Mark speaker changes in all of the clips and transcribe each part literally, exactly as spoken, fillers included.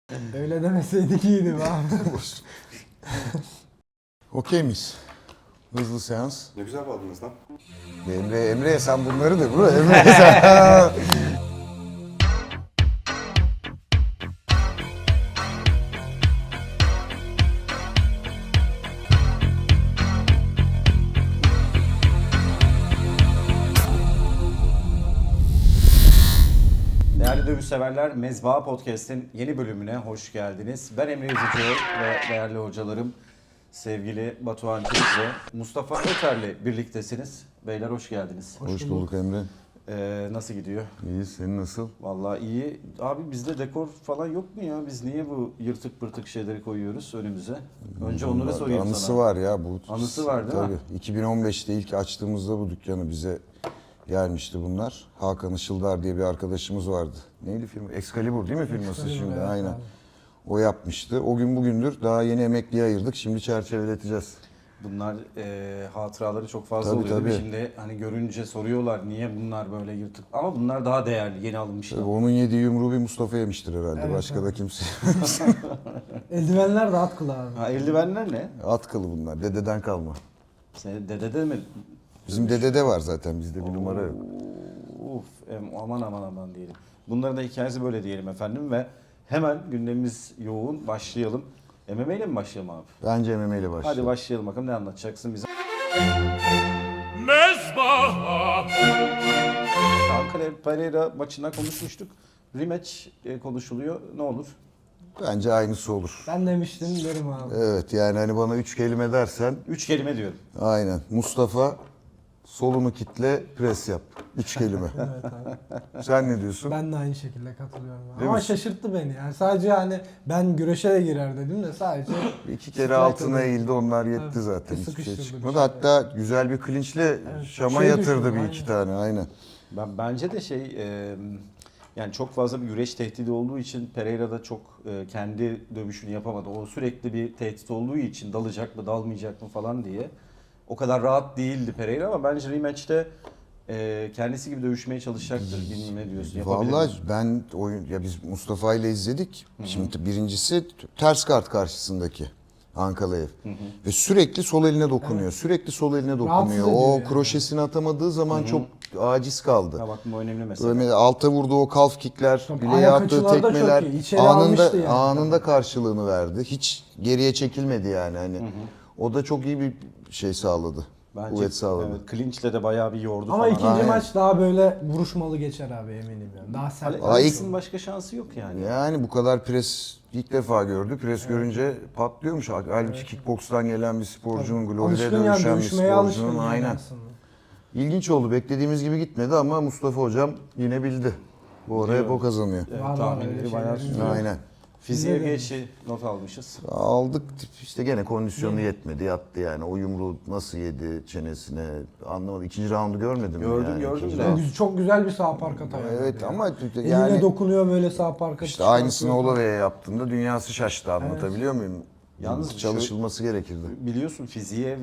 Speaker 1: Öyle demeseydik iyiydi abi.
Speaker 2: Okey miyiz? Hızlı seans.
Speaker 3: Ne güzel bağladınız lan.
Speaker 2: Emre, Emre'ye sen bunları da bro. Emre'ye sen.
Speaker 4: Değerli dövüş severler, Mezba Podcast'in yeni bölümüne hoş geldiniz. Ben Emre Yüzücü ve değerli hocalarım sevgili Batuhan Çelik ve Mustafa Öter'le birliktesiniz. Beyler hoş geldiniz.
Speaker 2: Hoş bulduk Emre.
Speaker 4: Ee, nasıl gidiyor?
Speaker 2: İyi, senin nasıl?
Speaker 4: Vallahi iyi. Abi bizde dekor falan yok mu ya? Biz niye bu yırtık pırtık şeyleri koyuyoruz önümüze? Önce onları sorayım
Speaker 2: Anısı
Speaker 4: sana.
Speaker 2: var ya bu.
Speaker 4: Anısı var değil mi?
Speaker 2: Tabii. iki bin on beşte ilk açtığımızda bu dükkanı bize gelmişti bunlar. Hakan Işıldar diye bir arkadaşımız vardı. Neydi film? Excalibur değil mi firması
Speaker 1: Excalibur,
Speaker 2: şimdi?
Speaker 1: evet,
Speaker 2: Aynen.
Speaker 1: abi.
Speaker 2: O yapmıştı. O gün bugündür daha yeni emekliye ayırdık. Şimdi çerçeveleteceğiz.
Speaker 4: Bunlar e, hatıraları çok fazla
Speaker 2: Tabii,
Speaker 4: oluyor değil mi?
Speaker 2: tabii.
Speaker 4: Şimdi hani görünce soruyorlar niye bunlar böyle yırtık. Ama bunlar daha değerli, yeni alınmışlar.
Speaker 2: Tabii onun yediği yumruğu bir Mustafa yemiştir herhalde.
Speaker 1: Evet,
Speaker 2: Başka
Speaker 1: evet.
Speaker 2: da kimse.
Speaker 1: Eldivenler de at kılı abi.
Speaker 4: Ha, eldivenler ne?
Speaker 2: At kılı bunlar. Dededen kalma.
Speaker 4: Senin dedede mi?
Speaker 2: Bizim dedede var zaten. Bizde bir numara yok.
Speaker 4: Uf, em, aman aman aman diyelim. Bunların da hikayesi böyle diyelim efendim ve hemen gündemimiz yoğun, başlayalım. M M A ile mi başlayalım abi?
Speaker 2: Bence M M A ile başlayalım.
Speaker 4: Hadi başlayalım bakalım, ne anlatacaksın bize?
Speaker 5: Mezbaha.
Speaker 4: Ankara Pereira maçından konuşmuştuk. Rematch e, konuşuluyor. Ne olur?
Speaker 2: Bence aynısı olur.
Speaker 1: Ben demiştim derim abi.
Speaker 2: Evet yani hani bana üç kelime dersen
Speaker 4: Üç kelime diyorum.
Speaker 2: aynen. Mustafa solunu kitle pres yap. Üç kelime.
Speaker 1: Evet abi.
Speaker 2: Sen ne diyorsun?
Speaker 1: Ben de aynı şekilde katılıyorum. Abi.
Speaker 2: Değil
Speaker 1: Ama
Speaker 2: mi?
Speaker 1: şaşırttı beni yani. Sadece hani ben güreşe de girer dedim de sadece
Speaker 2: İki kere
Speaker 1: Strike'da
Speaker 2: altına
Speaker 1: da-
Speaker 2: eğildi, onlar yetti
Speaker 1: Evet,
Speaker 2: zaten.
Speaker 1: bir
Speaker 2: Hiçbir şey
Speaker 1: sıkıştırdı,
Speaker 2: çıkmadı.
Speaker 1: bir şey.
Speaker 2: Hatta güzel bir klinçle Şam'a
Speaker 1: Şey
Speaker 2: yatırdı
Speaker 1: düşürdü,
Speaker 2: bir iki
Speaker 1: aynen.
Speaker 2: tane aynen.
Speaker 4: Ben bence de şey e, yani çok fazla bir güreş tehdidi olduğu için Pereira da çok e, kendi dövüşünü yapamadı. O sürekli bir tehdit olduğu için dalacak mı dalmayacak mı falan diye. O kadar rahat değildi Pereira ama bence rematch'te e, kendisi gibi dövüşmeye çalışacaktır. Bilmem ne diyorsun. Yapabilir
Speaker 2: Vallahi
Speaker 4: mi?
Speaker 2: ben oyun ya biz Mustafa ile izledik. Şimdi birincisi ters kart karşısındaki Ankalaev. Ve sürekli sol eline dokunuyor. Sürekli sol eline
Speaker 1: Rahatsız
Speaker 2: dokunuyor.
Speaker 1: ediyor
Speaker 2: O
Speaker 1: yani.
Speaker 2: kroşesini atamadığı zaman çok aciz kaldı.
Speaker 4: Ha bak bu önemli mesela.
Speaker 2: Böyle alta vurduğu o kalf kickler,
Speaker 1: Tabii,
Speaker 2: bileğe
Speaker 1: ayak
Speaker 2: attığı
Speaker 1: açıları da
Speaker 2: tekmeler
Speaker 1: çok iyi. İçeri
Speaker 2: anında
Speaker 1: almıştı yani.
Speaker 2: anında karşılığını verdi. Hiç geriye çekilmedi yani hani. O da çok iyi bir şey sağladı.
Speaker 4: Bence,
Speaker 2: Kuvvet sağladı.
Speaker 4: Evet, clinch'le de bayağı bir yordu
Speaker 1: ama
Speaker 4: falan.
Speaker 1: ikinci
Speaker 2: Aynen.
Speaker 1: maç daha böyle vuruşmalı geçer abi eminim yani. Daha sert.
Speaker 4: Ale-
Speaker 2: Aa,
Speaker 4: Alex'in
Speaker 2: ilk-
Speaker 4: başka şansı yok yani.
Speaker 2: Yani bu kadar pres ilk defa gördü. Pres görünce patlıyormuş. Halbuki kickbokstan gelen bir sporcunun, gloride
Speaker 1: Alışkın yani
Speaker 2: dövüşen bir
Speaker 1: dövüşmeye alışkın
Speaker 2: sporcunun
Speaker 1: yani
Speaker 2: aynen.
Speaker 1: aslında.
Speaker 2: İlginç oldu. Beklediğimiz gibi gitmedi ama Mustafa hocam yine bildi. Bu ara hep o kazanıyor.
Speaker 4: Evet,
Speaker 1: Var, var,
Speaker 4: tahminleri
Speaker 1: öyle
Speaker 4: bayağı
Speaker 1: şeyler.
Speaker 4: tutuyor.
Speaker 2: Aynen.
Speaker 4: Fiziğe
Speaker 1: Bizde de.
Speaker 4: geçi not almışız.
Speaker 2: Aldık işte gene kondisyonu yetmedi yattı yani o yumruğu nasıl yedi çenesine anlamadım. İkinci roundu görmedim
Speaker 4: Gördüm,
Speaker 2: yani.
Speaker 4: gördüm
Speaker 2: İkinci
Speaker 4: de.
Speaker 2: round.
Speaker 1: Güzel- Çok güzel bir sağ park atıyor.
Speaker 2: Evet ama
Speaker 1: Eline
Speaker 2: yani
Speaker 1: dokunuyor böyle sağ parka.
Speaker 2: işte aynısını Olave'ye yaptığında dünyası şaştı anlatabiliyor muyum?
Speaker 4: Yalnız
Speaker 2: çalışılması gerekirdi.
Speaker 4: Biliyorsun fiziğe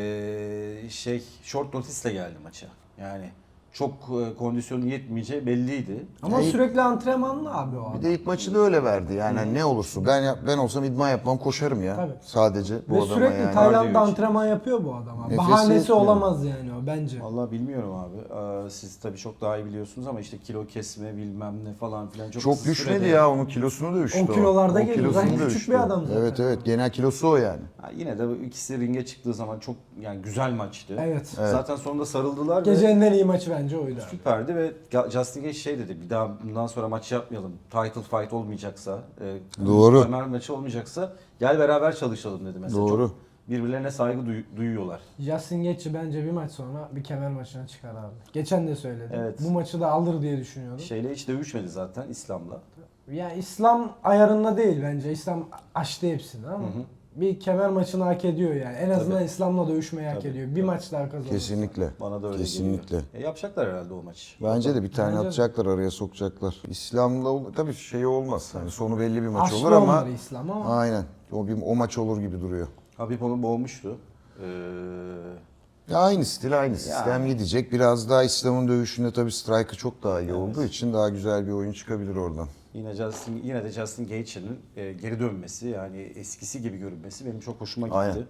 Speaker 4: eee, şey short notice'le geldi maça. Yani çok e, kondisyonu yetmeyeceği belliydi.
Speaker 1: Ama
Speaker 2: Ya,
Speaker 1: sürekli antrenmanlı abi o
Speaker 2: Bir
Speaker 1: adam.
Speaker 2: de ilk maçı da öyle verdi yani hani ne olursa ben yap- ben olsam idman yapmam koşarım ya
Speaker 1: Tabii.
Speaker 2: sadece bu
Speaker 1: Ve
Speaker 2: adama
Speaker 1: sürekli
Speaker 2: yani.
Speaker 1: Tayland'da
Speaker 4: Kardiyo için.
Speaker 1: antrenman yapıyor bu adam. abi.
Speaker 2: Nefesi
Speaker 1: Bahanesi
Speaker 2: yetmiyor.
Speaker 1: olamaz yani o bence.
Speaker 4: Vallahi bilmiyorum abi. Aa, siz tabii çok daha iyi biliyorsunuz ama işte kilo kesme bilmem ne falan filan çok,
Speaker 2: Çok
Speaker 4: kısa
Speaker 2: düşmedi
Speaker 4: sürede-
Speaker 2: ya onun kilosunu da düştü.
Speaker 1: O kilolarda
Speaker 2: O
Speaker 1: geliyor.
Speaker 2: kilosunu
Speaker 1: Zaten
Speaker 2: da
Speaker 1: küçük
Speaker 2: düştü.
Speaker 1: bir adam zaten.
Speaker 2: Evet evet genel kilosu o yani.
Speaker 4: Ha, yine de bu ikisi ringe çıktığı zaman çok yani güzel maçtı.
Speaker 1: Evet.
Speaker 4: Zaten sonunda sarıldılar ve
Speaker 1: Gecenin en iyi maçı bence oydu abi.
Speaker 4: süperdi ve Ga- Justin Gage şey dedi, bir daha bundan sonra maç yapmayalım. Title fight olmayacaksa, e,
Speaker 2: Doğru.
Speaker 4: kemer maçı olmayacaksa gel beraber çalışalım dedi mesela.
Speaker 2: Doğru.
Speaker 4: Çok birbirlerine saygı duy- duyuyorlar.
Speaker 1: Justin Gaethje bence bir maç sonra bir kemer maçına çıkar abi. Geçen de söyledim.
Speaker 4: Evet.
Speaker 1: Bu maçı da alır diye düşünüyorum.
Speaker 4: Şeyle hiç dövüşmedi zaten İslam'la.
Speaker 1: Yani İslam ayarında değil bence. İslam açtı hepsini ama bir kemer maçını hak ediyor yani. En azından
Speaker 4: Tabii.
Speaker 1: İslam'la dövüşmeyi hak
Speaker 4: Tabii,
Speaker 1: ediyor. Bir
Speaker 4: tabii.
Speaker 1: maç daha kazanır.
Speaker 2: Kesinlikle.
Speaker 4: Bana da öyle
Speaker 2: Kesinlikle.
Speaker 4: geliyor. E, yapacaklar herhalde o maç.
Speaker 2: Bence de bir tane
Speaker 1: Bence de.
Speaker 2: atacaklar araya sokacaklar. İslam'la ol- tabii şey olmaz. Hani sonu belli bir maç
Speaker 1: Aşkı
Speaker 2: olur ama
Speaker 1: onları İslam ama.
Speaker 2: aynen. O bir o maç olur gibi duruyor.
Speaker 4: Habib onu boğmuştu. Ee,
Speaker 2: Ya aynı stil aynı sistem gidecek. Biraz daha İslam'ın dövüşünde tabii strike'ı çok daha iyi olduğu için daha güzel bir oyun çıkabilir oradan.
Speaker 4: Yine Justin, yine de Justin Gaethje'nin e, geri dönmesi, yani eskisi gibi görünmesi benim çok hoşuma gitti.
Speaker 2: Aynen.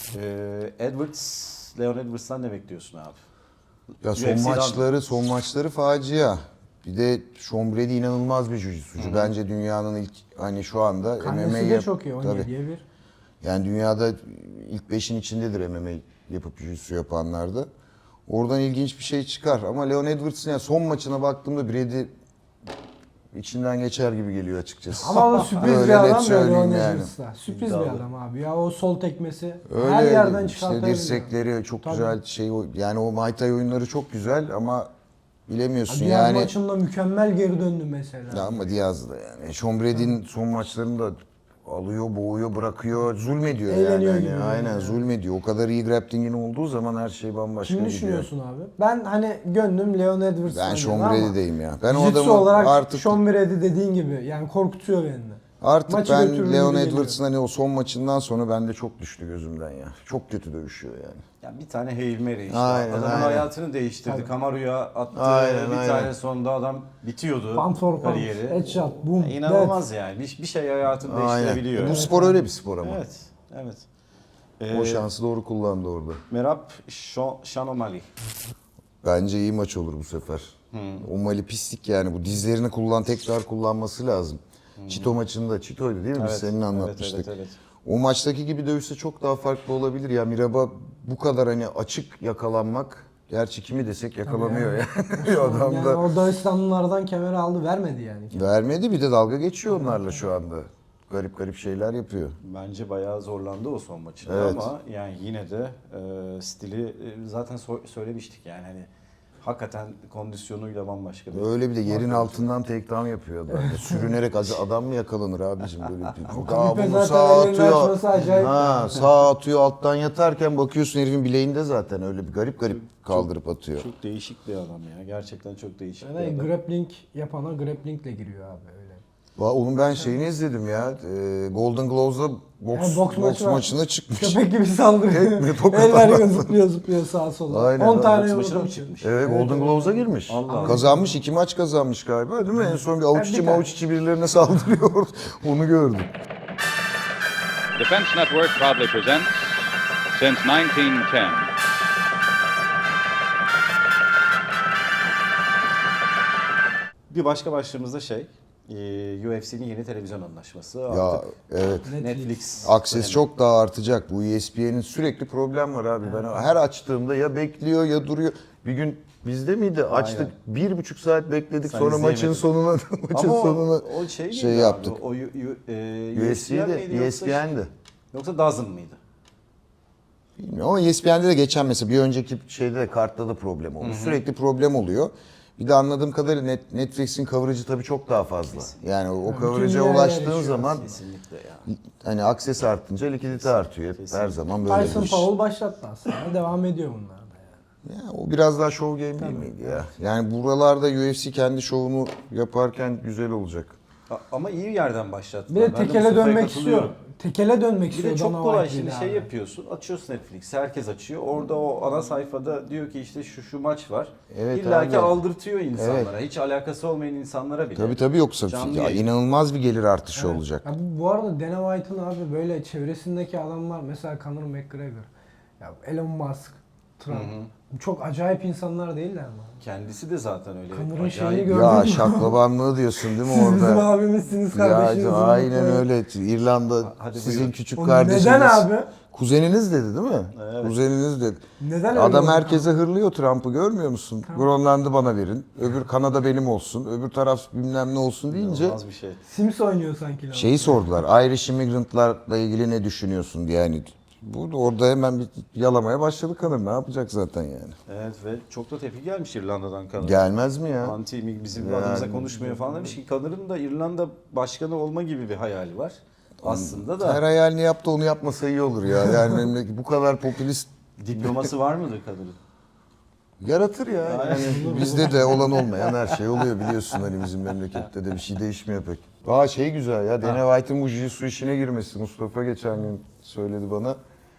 Speaker 4: E, Edwards, Leon Edwards'tan ne bekliyorsun abi?
Speaker 2: Ya son
Speaker 4: U F C'den
Speaker 2: maçları, son maçları facia. Bir de Sean Brady inanılmaz bir jiu-jitsucu. Bence dünyanın ilk hani şu anda M M A
Speaker 1: Karnesi de
Speaker 2: yap-
Speaker 1: çok iyi.
Speaker 2: Tabii.
Speaker 1: on yediye bir.
Speaker 2: Yani dünyada ilk beşin içindedir M M A yapıp jiu-jitsu yapanlarda. Oradan ilginç bir şey çıkar. Ama Leon Edwards'ın yani son maçına baktığımda Brady içinden geçer gibi geliyor açıkçası.
Speaker 1: Ama o sürpriz
Speaker 2: Öyle
Speaker 1: bir
Speaker 2: net
Speaker 1: adam ya
Speaker 2: söyleyeyim
Speaker 1: Leon
Speaker 2: yani.
Speaker 1: Edwards'ta. Sürpriz
Speaker 4: İddialı.
Speaker 1: bir adam abi. Ya o sol tekmesi
Speaker 2: Öyle
Speaker 1: her yerden
Speaker 2: işte
Speaker 1: çıkartabiliyor.
Speaker 2: dirsekleri çok
Speaker 1: Tabii.
Speaker 2: güzel şey o- yani o Muay Thai oyunları çok güzel ama bilemiyorsun
Speaker 1: Diğer
Speaker 2: yani.
Speaker 1: maçında mükemmel geri döndü mesela.
Speaker 2: Ya ama Diaz da yani. Sean Brady'nin son maçlarında alıyor, boğuyor, bırakıyor, zulmediyor
Speaker 1: Eğleniyor
Speaker 2: yani.
Speaker 1: gibi
Speaker 2: Hani aynen
Speaker 1: yani.
Speaker 2: zulmediyor. O kadar iyi grappling'in olduğu zaman her şey bambaşka
Speaker 1: Kimi
Speaker 2: gidiyor.
Speaker 1: düşünüyorsun abi? Ben hani gönlüm Leon Edwards'tan
Speaker 2: Ben Sean
Speaker 1: yana ama
Speaker 2: Brady'deyim ya. Ben o
Speaker 1: jiu-jitsu
Speaker 2: adamı
Speaker 1: olarak
Speaker 2: artık
Speaker 1: Sean Brady dediğin gibi yani korkutuyor beni.
Speaker 2: artık
Speaker 1: maçı
Speaker 2: ben
Speaker 1: götürür
Speaker 2: Leon
Speaker 1: gibi
Speaker 2: Edwards'ın hani o son maçından sonra bende çok düştü gözümden ya. Çok kötü dövüşüyor yani.
Speaker 4: Ya bir tane Hail Mary işte.
Speaker 2: Aynen,
Speaker 4: Adamın
Speaker 2: aynen.
Speaker 4: hayatını değiştirdi.
Speaker 1: Tabii.
Speaker 4: Kamaru'ya attı.
Speaker 2: Aynen,
Speaker 4: bir
Speaker 2: aynen.
Speaker 4: tane sonunda adam bitiyordu
Speaker 1: Pound for pound,
Speaker 4: kariyeri.
Speaker 1: headshot, boom,
Speaker 4: Ya İnanılmaz yani. Bir, bir şey hayatını değiştirebiliyor.
Speaker 2: Bu spor öyle bir spor ama.
Speaker 4: Evet. Evet.
Speaker 2: O
Speaker 4: Ee,
Speaker 2: şansı doğru kullandı orada.
Speaker 4: Merab Şo- Shanomali.
Speaker 2: Bence iyi maç olur bu sefer. O Mali pislik yani. Bu dizlerini kullan tekrar kullanması lazım. Çito maçında, Çito'ydu değil mi? Biz
Speaker 4: Evet,
Speaker 2: seninle
Speaker 4: evet,
Speaker 2: anlatmıştık.
Speaker 4: evet, evet.
Speaker 2: O maçtaki gibi dövüşse çok daha farklı olabilir ya. Miraba bu kadar hani açık yakalanmak. Gerçi kimi desek yakalanıyor yani. Bir adam
Speaker 1: Yani
Speaker 2: da
Speaker 1: o Dağıstanlılardan kemeri aldı vermedi yani.
Speaker 2: vermedi, bir de dalga geçiyor onlarla şu anda. Garip garip şeyler yapıyor.
Speaker 4: Bence bayağı zorlandı o son maçında
Speaker 2: Evet.
Speaker 4: ama yani yine de e, stili e, zaten so- söylemiştik yani hani hakikaten kondisyonuyla bambaşka bir.
Speaker 2: Öyle bir de yerin altından takedown yapıyor adam. Ya Sürünerek az- adam mı yakalanır abicim böyle bir.
Speaker 1: Kalife
Speaker 2: Daha bunu
Speaker 1: zaten
Speaker 2: sağa
Speaker 1: ellerini
Speaker 2: atıyor.
Speaker 1: açması acayip.
Speaker 2: Ha, sağa atıyor alttan yatarken bakıyorsun herifin bileğinde zaten öyle bir garip garip kaldırıp atıyor.
Speaker 4: Çok değişik bir adam ya. Gerçekten çok değişik
Speaker 1: Yani
Speaker 4: bir adam.
Speaker 1: grappling yapana grapplingle giriyor abi öyle.
Speaker 2: Va- Onun ben şeyini izledim ya. e, Golden Gloves'da boks,
Speaker 1: Yani boks
Speaker 2: boks,
Speaker 1: maçı var.
Speaker 2: maçına çıkmış.
Speaker 1: Köpek gibi saldırıyor.
Speaker 2: Tekme, tokat
Speaker 1: Eller
Speaker 2: adam.
Speaker 1: zıplıyor zıplıyor sağa sola.
Speaker 2: Aynen,
Speaker 1: on
Speaker 2: aynen.
Speaker 1: tane
Speaker 4: Boks
Speaker 1: yumruk
Speaker 4: maçına mı
Speaker 1: atıyor.
Speaker 4: çıkmış?
Speaker 2: Evet, Golden Gloves'a girmiş.
Speaker 4: Allah Allah.
Speaker 2: Kazanmış, iki maç kazanmış galiba değil mi? En son bir avuç içi
Speaker 1: bir
Speaker 2: mavuç içi birilerine saldırıyor. Onu gördüm.
Speaker 3: Defense Network proudly presents since nineteen ten.
Speaker 4: Bir başka başlığımız da şey, e, U F C'nin yeni televizyon anlaşması.
Speaker 2: Ya
Speaker 4: Artık
Speaker 2: evet.
Speaker 4: Netflix.
Speaker 2: Akses
Speaker 4: önemli.
Speaker 2: çok daha artacak. Bu E S P N'in sürekli problem var abi. Ben her açtığımda ya bekliyor ya duruyor. Bir gün bizde miydi? Açtık. Bir buçuk saat bekledik.
Speaker 4: Sen
Speaker 2: Sonra maçın
Speaker 4: izleyemedin.
Speaker 2: sonuna maçın
Speaker 4: Ama o-
Speaker 2: sonuna
Speaker 4: o şey,
Speaker 2: şey
Speaker 4: miydi
Speaker 2: yaptık.
Speaker 4: Abi? O, U- U- e,
Speaker 2: U F C'de,
Speaker 4: miydi
Speaker 2: E
Speaker 4: yoksa-
Speaker 2: S P N'di.
Speaker 4: Yoksa Dazn mıydı?
Speaker 2: Bilmiyorum ama E S P N'de de geçen mesela bir önceki şeyde de kartta da problem oldu. Sürekli problem oluyor. Bir de anladığım kadarıyla Net, Netflix'in coverage'ı tabii çok daha fazla. Yani o
Speaker 1: bütün
Speaker 2: coverage'a
Speaker 1: dünyaya
Speaker 2: ulaştığın
Speaker 1: erişiyor
Speaker 2: zaman
Speaker 4: Kesinlikle ya.
Speaker 2: hani akses artınca likidite artıyor. Hep her zaman böyle
Speaker 1: Tyson
Speaker 2: bir iş.
Speaker 1: Powell başlattı aslında. Devam ediyor bunlar da yani.
Speaker 2: Ya, o biraz daha show game değil miydi ya? Yani buralarda U F C kendi şovunu yaparken güzel olacak.
Speaker 4: A- Ama iyi bir yerden başlattı.
Speaker 1: Bir de tekele dönmek istiyor. Tekele dönmek
Speaker 4: Bir
Speaker 1: istiyor.
Speaker 4: de çok
Speaker 1: Dana
Speaker 4: kolay
Speaker 1: White
Speaker 4: şimdi
Speaker 1: ile
Speaker 4: şey
Speaker 1: abi.
Speaker 4: yapıyorsun, açıyorsun Netflix, herkes açıyor. Orada o ana sayfada diyor ki işte şu şu maç var.
Speaker 2: Evet
Speaker 4: İlla ki
Speaker 2: abi.
Speaker 4: aldırtıyor insanlara. Hiç alakası olmayan insanlara bile.
Speaker 2: Tabii tabii yoksa
Speaker 4: Canlı
Speaker 2: ya,
Speaker 4: yayın.
Speaker 2: inanılmaz bir gelir artışı olacak.
Speaker 1: Ya bu, bu arada Dana White'ın abi böyle çevresindeki adamlar mesela Conor McGregor, ya Elon Musk, Trump. Bu çok acayip insanlar değiller mi?
Speaker 4: Kendisi de zaten öyle.
Speaker 1: Connor'ın
Speaker 4: acayip-
Speaker 1: şeyini gördün
Speaker 2: Ya
Speaker 1: mü?
Speaker 2: şaklabanlığı diyorsun değil mi
Speaker 1: Siz bizim
Speaker 2: orada?
Speaker 1: abimizsiniz kardeşiniz.
Speaker 2: Ya aynen öyle. İrlanda
Speaker 4: Hadi
Speaker 2: sizin
Speaker 4: buyurun.
Speaker 2: küçük
Speaker 1: Oğlum
Speaker 2: kardeşiniz.
Speaker 1: neden abi?
Speaker 2: Kuzeniniz dedi değil mi?
Speaker 4: Evet.
Speaker 2: Kuzeniniz dedi.
Speaker 1: Neden öyle
Speaker 2: Adam
Speaker 1: oldu?
Speaker 2: herkese hırlıyor Trump'ı görmüyor musun? Grönland'ı bana verin. Öbür Kanada benim olsun. Öbür taraf bilmem ne olsun deyince
Speaker 4: İnanılmaz bir şey.
Speaker 1: Sims oynuyor sanki. lan.
Speaker 2: şeyi sordular. Irish immigrantlarla ilgili ne düşünüyorsun diye yani. Bu orada hemen bir yalamaya başladı kadın. Ne yapacak zaten yani?
Speaker 4: Evet ve çok da tepki gelmiş İrlanda'dan Conor.
Speaker 2: Gelmez mi ya?
Speaker 4: Anti bizim
Speaker 2: Yani-
Speaker 4: adımıza konuşmuyor falan demiş ki Conor'ın da İrlanda başkanı olma gibi bir hayali var. Aslında da
Speaker 2: Her hayalini yaptı onu yapmasa iyi olur ya. Yani memleket bu kadar popülist
Speaker 4: diploması var mıdır Conor'ın?
Speaker 2: yaratır ya. Yani bizde de olan olmayan her şey oluyor biliyorsun hani bizim memlekette de bir şey değişmiyor pek. Aa şey güzel ya Dana White'ın bu jiu-jitsu işine girmesi. Mustafa geçen gün söyledi bana.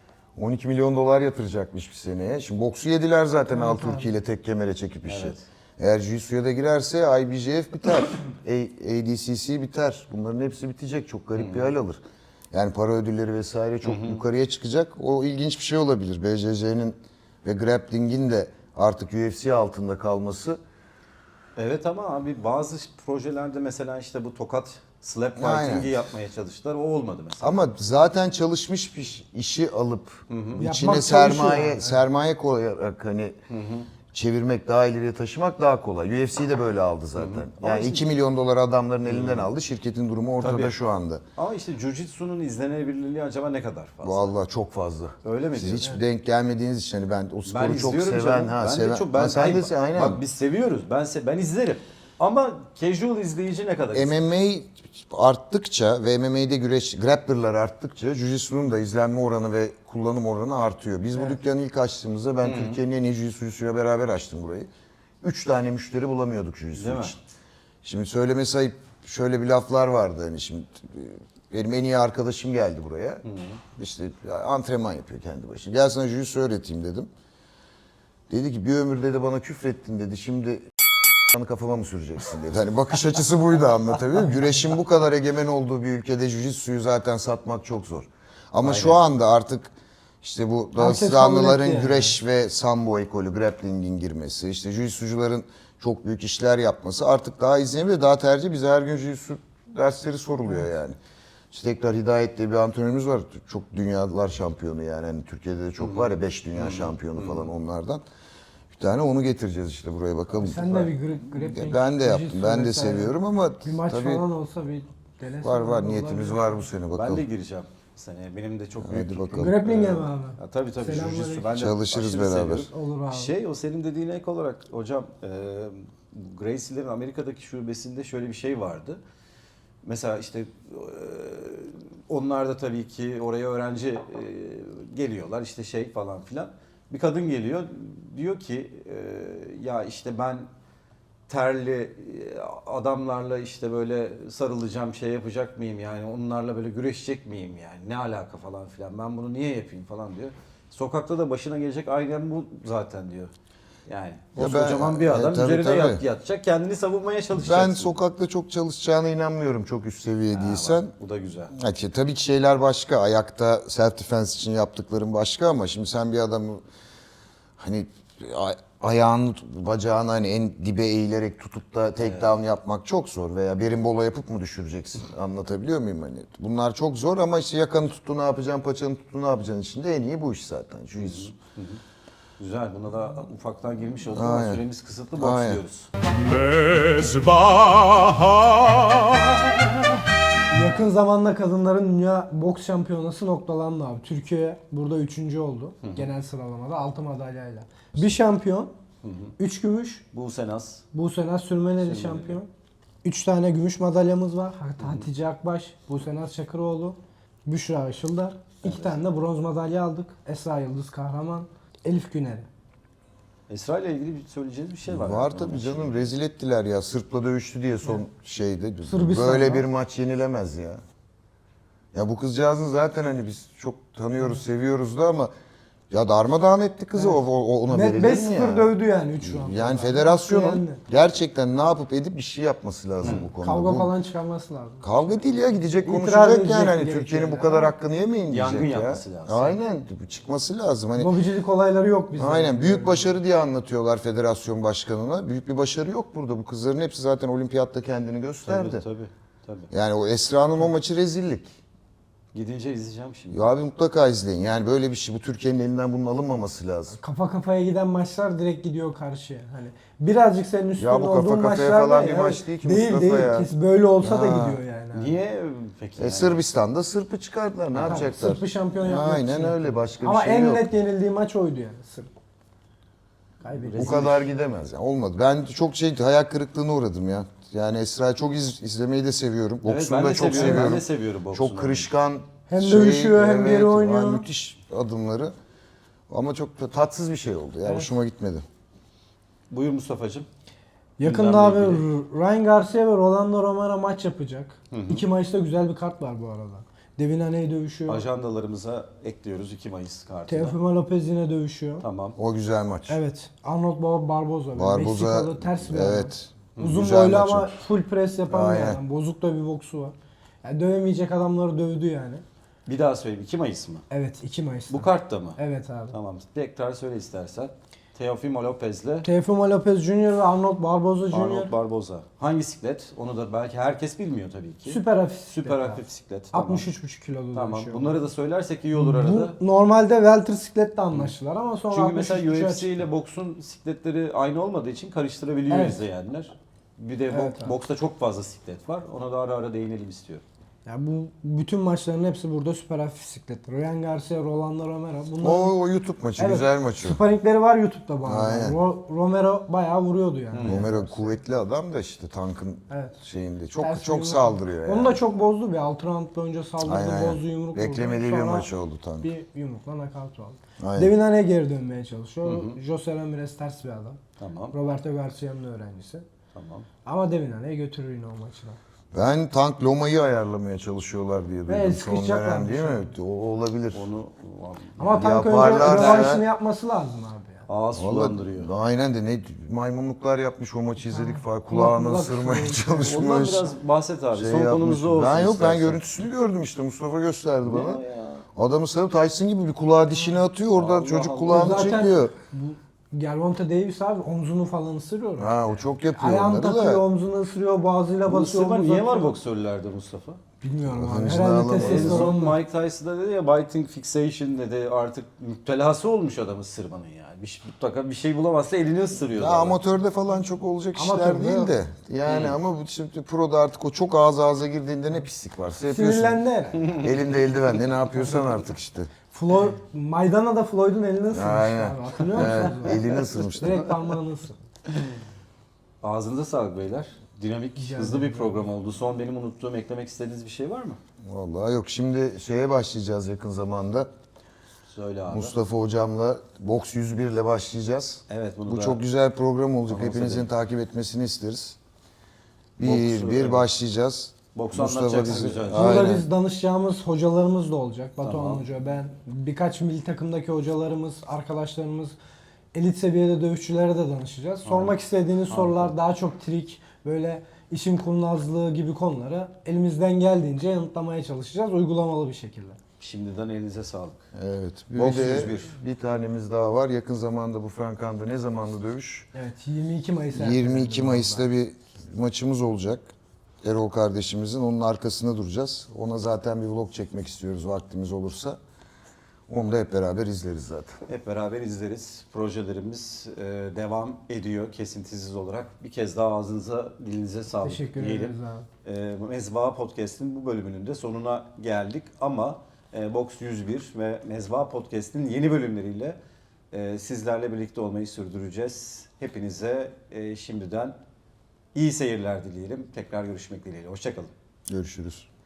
Speaker 2: on iki milyon dolar yatıracakmış bir seneye. Şimdi boksu yediler zaten Al Turki ile tek kemere çekip işi.
Speaker 4: Evet.
Speaker 2: Eğer Jiu-Jitsu'ya da girerse I B J F biter, A D C C biter. Bunların hepsi bitecek. Çok garip bir hal alır. Yani para ödülleri vesaire çok yukarıya çıkacak. O ilginç bir şey olabilir. B J J'nin ve grappling'in de artık U F C altında kalması.
Speaker 4: Evet ama abi bazı projelerde mesela işte bu tokat slap
Speaker 2: Aynen.
Speaker 4: fighting'i yapmaya çalıştılar. O olmadı mesela.
Speaker 2: Ama zaten çalışmış bir işi alıp içine
Speaker 1: Yapmak
Speaker 2: sermaye
Speaker 1: çalışıyor yani.
Speaker 2: sermaye koyarak hani çevirmek, daha ileriye taşımak daha kolay. U F C de böyle aldı zaten.
Speaker 4: Ama
Speaker 2: Yani
Speaker 4: işte-
Speaker 2: iki milyon dolar adamların elinden aldı. Şirketin durumu ortada
Speaker 4: Tabii.
Speaker 2: şu anda.
Speaker 4: Ama işte Jiu-Jitsu'nun izlenebilirliği acaba ne kadar fazla?
Speaker 2: Vallahi çok fazla.
Speaker 4: Öyle mi
Speaker 2: Siz
Speaker 4: diyorsun?
Speaker 2: hiç denk gelmediğiniz için hani ben o sporu
Speaker 4: Ben
Speaker 2: çok
Speaker 4: izliyorum
Speaker 2: seven,
Speaker 4: canım.
Speaker 2: ha
Speaker 4: ben
Speaker 2: seven.
Speaker 4: de çok ben
Speaker 2: Ha, sen
Speaker 4: hayır,
Speaker 2: de aynen.
Speaker 4: Bak biz seviyoruz. Ben se ben izlerim. Ama casual izleyici ne kadar izler?
Speaker 2: M M A arttıkça ve M M A'de güreş, grapplerlar arttıkça Jiu-Jitsu'nun da izlenme oranı ve kullanım oranı artıyor. Biz bu dükkanı ilk açtığımızda ben Türkiye'nin en iyi Jiu-Jitsu'yla beraber açtım burayı. Üç tane müşteri bulamıyorduk Jiu-Jitsu
Speaker 4: Değil mi?
Speaker 2: için. Şimdi söylemesi ayıp, şöyle bir laflar vardı hani şimdi benim en iyi arkadaşım geldi buraya. İşte antrenman yapıyor kendi başına. Gel sana Jiu-Jitsu öğreteyim dedim. Dedi ki bir ömür dedi bana küfrettin dedi. Şimdi kafama mı süreceksin dedi. Hani bakış açısı buydu, anlatabiliyor muyum? Güreşin bu kadar egemen olduğu bir ülkede Jiu-Jitsu'yu zaten satmak çok zor. Ama şu anda artık işte bu
Speaker 1: Herkes
Speaker 2: Dağıstanlıların
Speaker 1: kabul etti yani.
Speaker 2: güreş ve sambo ekolü, grappling'in girmesi, işte Jiu-Jitsu'cuların çok büyük işler yapması artık daha izlenir ve daha tercih. Bize her gün Jiu-Jitsu dersleri soruluyor yani. İşte tekrar Hidayet diye bir antrenörümüz var. Çok dünyalar şampiyonu yani. Hani Türkiye'de de çok var ya, beş dünya şampiyonu falan onlardan. Bir tane onu getireceğiz işte buraya bakalım.
Speaker 1: Sen de bir gra- grappling,
Speaker 2: Ben de yaptım.
Speaker 1: jiu-jitsu
Speaker 2: Ben de
Speaker 1: vesaire.
Speaker 2: seviyorum ama
Speaker 1: Bir maç
Speaker 2: tabii
Speaker 1: falan olsa bir denesin.
Speaker 2: var var
Speaker 1: Olur,
Speaker 2: niyetimiz
Speaker 1: olabilir.
Speaker 2: var bu sene,
Speaker 4: Ben
Speaker 2: bakalım.
Speaker 4: de gireceğim seneye. Benim de çok
Speaker 2: Hadi
Speaker 4: büyük
Speaker 2: bakalım.
Speaker 1: Grappling'e mi abi?
Speaker 4: Ya, tabii tabii.
Speaker 1: Selamünaleyküm.
Speaker 4: Jiu-Jitsu ben de
Speaker 2: Çalışırız
Speaker 4: aşırı
Speaker 2: beraber.
Speaker 4: seviyorum.
Speaker 1: Olur abi.
Speaker 4: Şey o senin dediğine ek olarak hocam e, Gracie'lerin Amerika'daki şubesinde şöyle bir şey vardı. Mesela işte e, onlar da tabii ki oraya öğrenci e, geliyorlar işte şey falan filan. Bir kadın geliyor diyor ki e, ya işte ben terli e, adamlarla işte böyle sarılacağım, şey yapacak mıyım yani onlarla böyle güreşecek miyim yani ne alaka falan filan, ben bunu niye yapayım falan diyor. Sokakta da başına gelecek aynen bu zaten diyor. Yani
Speaker 2: Ya
Speaker 4: kocaman
Speaker 2: ben-
Speaker 4: bir
Speaker 2: e,
Speaker 4: adam
Speaker 2: tabii,
Speaker 4: üzerine yat,
Speaker 2: tabii.
Speaker 4: yatacak, kendini savunmaya çalışacak.
Speaker 2: Ben sokakta çok çalışacağına inanmıyorum, çok üst seviye değilsen.
Speaker 4: Bu da güzel.
Speaker 2: Ha, ki tabii ki şeyler başka. Ayakta self defense için yaptıkların başka ama şimdi sen bir adamı hani a- ayağını, bacağını hani en dibe eğilerek tutup da takedown yapmak çok zor veya berimbolo yapıp mı düşüreceksin? Anlatabiliyor muyum hani? Bunlar çok zor ama işte yakanı tuttu ne yapacaksın, paçanı tuttu ne yapacaksın içinde en iyi bu iş zaten. Jiu-Jitsu.
Speaker 4: Güzel. Buna da ufaktan girmiş olduk
Speaker 2: Aynen.
Speaker 4: ama süremiz kısıtlı,
Speaker 2: Aynen.
Speaker 4: boksluyoruz.
Speaker 1: Yakın zamanda kadınların dünya boks şampiyonası noktalandı abi. Türkiye burada üçüncü oldu genel sıralamada altı madalyayla. Bir şampiyon, üç gümüş,
Speaker 4: Buse Naz.
Speaker 1: Buse Naz Sürmeneli şampiyon. Üç tane gümüş madalyamız var. Hat- Hatice Akbaş, Buse Naz Çakıroğlu, Büşra Işıldar. İki tane de bronz madalya aldık. Esra Yıldız Kahraman, Elif Güner'i.
Speaker 4: Esra ile ilgili bir söyleyeceğiniz bir şey var.
Speaker 2: Var
Speaker 4: mı?
Speaker 2: tabii canım, rezil ettiler ya. Sırp'la dövüştü diye son şeyde.
Speaker 1: Sırbistan'da.
Speaker 2: Böyle bir maç yenilemez ya. Ya bu kızcağızın zaten hani biz çok tanıyoruz, seviyoruz da ama ya darmadağın etti kızı, o, o ona verilir
Speaker 1: beş
Speaker 2: mi
Speaker 1: sıfır
Speaker 2: ya?
Speaker 1: dövdü yani üç round.
Speaker 2: Yani federasyonun
Speaker 1: Yendi.
Speaker 2: gerçekten ne yapıp edip bir şey yapması lazım bu konuda.
Speaker 1: Kavga
Speaker 2: Bu-
Speaker 1: falan çıkarması lazım.
Speaker 2: Kavga değil ya, gidecek
Speaker 1: İtiraz
Speaker 2: konuşacak
Speaker 1: edecek
Speaker 2: yani hani
Speaker 1: gerekiyor
Speaker 2: Türkiye'nin bu
Speaker 1: yani.
Speaker 2: kadar hakkını yemeyin diyecek
Speaker 4: Yangın
Speaker 2: ya.
Speaker 4: yapması lazım.
Speaker 2: Aynen, bu çıkması lazım. Hani
Speaker 1: Lobicilik olayları yok bizde.
Speaker 2: aynen büyük başarı diye anlatıyorlar federasyon başkanına. Büyük bir başarı yok burada. Bu kızların hepsi zaten olimpiyatta kendini gösterdi.
Speaker 4: Tabii tabii. tabii.
Speaker 2: Yani o Esra'nın o maçı rezillik.
Speaker 4: Gidince izleyeceğim şimdi.
Speaker 2: Ya abi mutlaka izleyin. Yani böyle bir şey, bu Türkiye'nin elinden bunun alınmaması lazım.
Speaker 1: Kafa kafaya giden maçlar direkt gidiyor karşıya. Hani birazcık senin üstün
Speaker 2: Ya bu kafa
Speaker 1: olduğun
Speaker 2: kafaya
Speaker 1: maçlar
Speaker 2: falan
Speaker 1: da
Speaker 2: bir
Speaker 1: ya.
Speaker 2: maç değil ki
Speaker 1: Değil
Speaker 2: Mustafa
Speaker 1: değil.
Speaker 2: ya.
Speaker 1: Kes böyle olsa da
Speaker 2: Ya.
Speaker 1: gidiyor yani.
Speaker 4: Niye peki?
Speaker 2: E,
Speaker 4: yani?
Speaker 2: Sırbistan'da Sırp'ı çıkardılar. Ne
Speaker 1: Ha,
Speaker 2: yapacaklar?
Speaker 1: Sırp'ı şampiyon yapmak
Speaker 2: Aynen
Speaker 1: için.
Speaker 2: öyle. Başka
Speaker 1: Ama
Speaker 2: bir şey
Speaker 1: en
Speaker 2: yok.
Speaker 1: net yenildiği maç oydu yani Sırp. Kaybetti.
Speaker 2: Bu kadar gidemez. Yani olmadı. Ben çok şey hayal kırıklığına uğradım ya. Yani Esra'yı çok iz, izlemeyi de seviyorum.
Speaker 4: Evet,
Speaker 2: Boksunu
Speaker 4: ben
Speaker 2: da
Speaker 4: de
Speaker 2: çok
Speaker 4: seviyorum.
Speaker 2: seviyorum.
Speaker 4: Ben de seviyorum boksunu.
Speaker 2: Çok kırışkan.
Speaker 1: Hem dövüşüyor, hem geri oynuyor.
Speaker 2: yani müthiş adımları. Ama çok da tatsız bir şey oldu ya.
Speaker 1: Evet.
Speaker 2: Hoşuma gitmedi.
Speaker 4: Buyur Mustafa'cığım.
Speaker 1: Yakında abi
Speaker 4: Gündemle
Speaker 1: Ryan Garcia ve Rolando Romero maç yapacak. İki maçta güzel bir kart var bu arada. Devin Haney dövüşüyor.
Speaker 4: Ajandalarımıza ekliyoruz iki Mayıs kartına.
Speaker 1: Teofimo Lopez yine dövüşüyor.
Speaker 4: Tamam.
Speaker 2: O güzel maç.
Speaker 1: Evet. Arnold Barboza.
Speaker 2: Barboza,
Speaker 1: Meksikalı ters bir adam.
Speaker 2: evet.
Speaker 1: Uzun
Speaker 2: Güzel
Speaker 1: boylu
Speaker 2: maç
Speaker 1: ama
Speaker 2: olur.
Speaker 1: full press yapan bir
Speaker 2: Aynen.
Speaker 1: adam. Bozuk da bir boksu var. Yani dövemeyecek adamları dövdü yani.
Speaker 4: Bir daha söyleyeyim. iki Mayıs mı?
Speaker 1: Evet, iki Mayıs'ta.
Speaker 4: Bu kartta mı?
Speaker 1: Evet abi.
Speaker 4: Tamam. Tekrar söyle istersen. Teofimo Lopez'le
Speaker 1: Teofimo Lopez Junior ve Arnold Barboza Junior
Speaker 4: Arnold Barboza. Hangi siklet? Onu da belki herkes bilmiyor tabii ki.
Speaker 1: süper hafif.
Speaker 4: Süper
Speaker 1: siklet
Speaker 4: hafif
Speaker 1: abi.
Speaker 4: siklet. Tamam.
Speaker 1: altmış üç buçuk kiloda
Speaker 4: Tamam.
Speaker 1: dövüşüyor.
Speaker 4: Bunları da söylersek iyi olur arada.
Speaker 1: Bu normalde welter sikletle anlaştılar ama sonra
Speaker 4: Çünkü
Speaker 1: altmış üç
Speaker 4: mesela
Speaker 1: buçuğa
Speaker 4: U F C
Speaker 1: çıktı.
Speaker 4: ile boksun sikletleri aynı olmadığı için karıştırabiliyor
Speaker 1: Evet.
Speaker 4: izleyenler. Bir de
Speaker 1: Evet
Speaker 4: bok-
Speaker 1: abi.
Speaker 4: boksta çok fazla siklet var. Ona da ara ara değinelim istiyorum.
Speaker 1: Yani bu bütün maçların hepsi burada süper hafif sikletler. Ryan Garcia, Rolando Romero. Bunlar
Speaker 2: O, o YouTube maçı,
Speaker 1: Evet.
Speaker 2: güzel maçı.
Speaker 1: sparringleri var YouTube'da bana.
Speaker 2: Aynen.
Speaker 1: Ro- Romero bayağı vuruyordu yani.
Speaker 2: Romero kuvvetli adam da işte tankın
Speaker 1: Evet.
Speaker 2: şeyinde. Çok
Speaker 1: Ters
Speaker 2: çok
Speaker 1: yumruk.
Speaker 2: saldırıyor yani.
Speaker 1: Onu da çok bozdu bir. altı round boyunca saldırdı,
Speaker 2: Aynen, aynen.
Speaker 1: bozdu, yumruk vurdu.
Speaker 2: Beklemediği bir
Speaker 1: Sonra
Speaker 2: maç oldu tank.
Speaker 1: bir yumrukla nakavt aldı.
Speaker 2: Aynen.
Speaker 1: Devin Haney geri dönmeye çalışıyor.
Speaker 4: Hı hı.
Speaker 1: Jose Ramirez ters bir adam.
Speaker 4: Tamam.
Speaker 1: Roberto Garcia'nın öğrencisi.
Speaker 4: Tamam.
Speaker 1: Ama Devin Haney götürür yine o maçı da.
Speaker 2: Ben tank Loma'yı ayarlamaya çalışıyorlar diye
Speaker 1: Ve
Speaker 2: duydum son
Speaker 1: sıkışacaklar
Speaker 2: dönem değil mi? O olabilir.
Speaker 4: Onu
Speaker 1: Ama tank önce
Speaker 2: Yaparlarsa-
Speaker 1: rövanşını yapması lazım abi ya.
Speaker 4: ağız sulandırıyor.
Speaker 2: Vallahi aynen de ne maymunluklar yapmış o maçı izledik falan. Kulağını
Speaker 1: kulak
Speaker 2: ısırmaya
Speaker 1: ısırıyor.
Speaker 2: çalışmış.
Speaker 4: Ondan biraz bahset abi.
Speaker 2: şey
Speaker 4: Son
Speaker 2: yapmış.
Speaker 4: konumuz da olsun
Speaker 2: Ben yok ben
Speaker 4: istersen.
Speaker 2: görüntüsünü gördüm işte Mustafa gösterdi bana.
Speaker 4: Ne ya?
Speaker 2: Adamı sarıp Tyson gibi bir kulağı dişine atıyor oradan
Speaker 4: Allah
Speaker 2: çocuk
Speaker 4: Allah.
Speaker 2: kulağını
Speaker 1: Zaten
Speaker 2: çekiyor.
Speaker 1: Bu Gervonta Davis abi omzunu falan ısırıyor.
Speaker 2: Ha o çok yapıyor
Speaker 1: Ayağını
Speaker 2: onları
Speaker 1: takıyor,
Speaker 2: da.
Speaker 1: omzunu ısırıyor, boğazıyla
Speaker 4: Bu
Speaker 1: basıyor.
Speaker 4: ısırma
Speaker 1: omuz
Speaker 4: niye var
Speaker 1: atıyor.
Speaker 4: boksörlerde Mustafa?
Speaker 1: Bilmiyorum abi.
Speaker 2: Hıncını
Speaker 1: Herhalde
Speaker 2: alamadı.
Speaker 4: En
Speaker 1: testosteron.
Speaker 4: son Mike Tyson'da dedi ya biting fixation dedi, artık müptelası olmuş adam ısırmanın yani. Bir, şey- mutlaka bir şey bulamazsa elini ısırıyor.
Speaker 2: Ya
Speaker 4: adam.
Speaker 2: amatörde falan çok olacak işler
Speaker 1: Amatörde
Speaker 2: değil
Speaker 1: yok.
Speaker 2: de. Yani ama bu şimdi proda artık o çok ağız ağza girdiğinde ne pislik varsa yapıyorsun.
Speaker 1: Sinirlendi herhalde.
Speaker 2: Elinde eldivenle ne yapıyorsan artık işte.
Speaker 1: Floyd, Maydana'da Floyd'un elini ısırmıştı
Speaker 2: Aynen.
Speaker 1: abi. Hatırlıyor
Speaker 2: Evet,
Speaker 1: musunuz?
Speaker 2: elini ısırmıştı.
Speaker 1: Direkt parmağını ısır.
Speaker 4: Ağzınıza sağlık beyler. Dinamik,
Speaker 1: Rica
Speaker 4: hızlı bir
Speaker 1: ederim.
Speaker 4: program oldu. Son benim unuttuğum, eklemek istediğiniz bir şey var mı?
Speaker 2: Vallahi yok şimdi şeye başlayacağız yakın zamanda.
Speaker 4: Söyle abi.
Speaker 2: Mustafa hocamla Boks yüz bir ile başlayacağız.
Speaker 4: Evet, bunu
Speaker 2: Bu
Speaker 4: da
Speaker 2: çok güzel program olacak.
Speaker 4: anons
Speaker 2: Hepinizin
Speaker 4: edelim.
Speaker 2: takip etmesini isteriz. Bir
Speaker 4: Boksu,
Speaker 2: bir
Speaker 4: evet.
Speaker 2: başlayacağız.
Speaker 4: Boksu
Speaker 2: Mustafa
Speaker 4: anlatacaksın
Speaker 2: bizi-
Speaker 4: güzelce.
Speaker 1: Burada
Speaker 2: Aynen.
Speaker 1: biz danışacağımız hocalarımız da olacak. Batuhan
Speaker 4: Tamam.
Speaker 1: Hoca, ben, birkaç milli takımdaki hocalarımız, arkadaşlarımız, elit seviyede dövüşçülere de danışacağız. Sormak istediğiniz sorular daha çok trik, böyle işin kurnazlığı gibi konuları elimizden geldiğince yanıtlamaya çalışacağız uygulamalı bir şekilde.
Speaker 4: Şimdiden elinize sağlık.
Speaker 2: Evet. Bir
Speaker 4: Boks
Speaker 2: de
Speaker 4: yüz bir.
Speaker 2: bir tanemiz daha var. Yakın zamanda bu Frankan'da ne zamanlı dövüş?
Speaker 1: Evet, yirmi iki Mayıs.
Speaker 2: yirmi iki
Speaker 1: ertelendi
Speaker 2: Mayıs'ta
Speaker 1: orada.
Speaker 2: bir maçımız olacak. Erol kardeşimizin. Onun arkasında duracağız. Ona zaten bir vlog çekmek istiyoruz vaktimiz olursa. Onu da hep beraber izleriz zaten.
Speaker 4: Hep beraber izleriz. Projelerimiz e, devam ediyor kesintisiz olarak. Bir kez daha ağzınıza, dilinize sağlık
Speaker 1: Teşekkür
Speaker 4: diyelim.
Speaker 1: ederiz abi.
Speaker 4: E, Mezva Podcast'in bu bölümünün de sonuna geldik. Ama e, Boks yüz bir ve Mezva Podcast'in yeni bölümleriyle e, sizlerle birlikte olmayı sürdüreceğiz. Hepinize e, şimdiden iyi seyirler dileyelim. Tekrar görüşmek dileğiyle. Hoşçakalın.
Speaker 2: Görüşürüz.